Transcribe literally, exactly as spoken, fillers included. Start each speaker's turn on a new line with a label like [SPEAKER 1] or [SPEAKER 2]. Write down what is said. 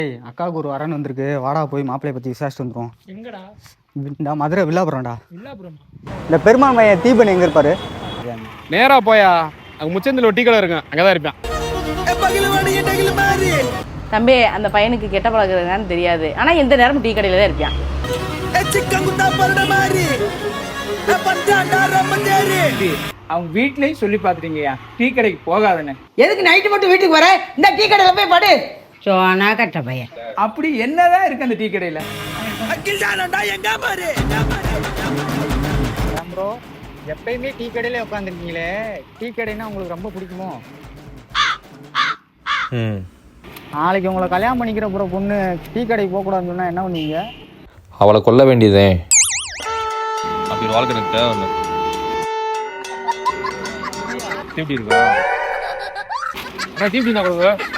[SPEAKER 1] ஏய் அக்காவுக்கு ஒரு வரன் வந்திருக்கு, வாடா போய் மாப்பிள்ளைய பற்றி விசாரிச்சுட்டு வந்துடும்.
[SPEAKER 2] எங்கடா?
[SPEAKER 1] இந்த மதுரை வில்லாபுரம்டா.
[SPEAKER 2] வில்லாபுரம்.
[SPEAKER 1] இந்த பெருமாள் மையம் தீபன் எங்கே இருப்பாரு?
[SPEAKER 3] நேரா போயா, அங்கே முச்சந்தில் ஒரு டீ கடை இருக்கும், அங்கே தான் இருப்பேன்.
[SPEAKER 4] தம்பி, அந்த பையனுக்கு கெட்ட பழகுறதுன்னு தெரியாது, ஆனால் எந்த நேரமும் டீ கடையில் தான் இருப்பான்.
[SPEAKER 2] அவங்க வீட்லயும் சொல்லி பாத்துட்டீங்கயா டீ கடைக்கு போகாதன்னு.
[SPEAKER 5] எதுக்கு நைட்டு மட்டும் வீட்டுக்கு வர? இந்த டீ கடையில் போய் படு.
[SPEAKER 6] சோனா கட்ட பையன்.
[SPEAKER 2] அப்படி என்னதான் இருக்கு அந்த டீ கடையில?
[SPEAKER 1] ப்ரோ, எப்பயுமே டீ கடையில உட்காந்துருக்கீங்களே, டீ கடைன்னா உங்களுக்கு ரொம்ப பிடிக்குமோ? நாளைக்கு உங்களை கல்யாணம் பண்ணிக்கிற போகிற பொண்ணு டீ கடைக்கு போகக்கூடாதுன்னு சொன்னால் என்ன பண்ணுவீங்க?
[SPEAKER 7] அவளை கொல்ல வேண்டியதே.
[SPEAKER 3] அப்படி ஒரு வாழ்க்கை எனக்கு தேவை. எப்படி இருக்கா? தீப்தி தான் கொடுங்க.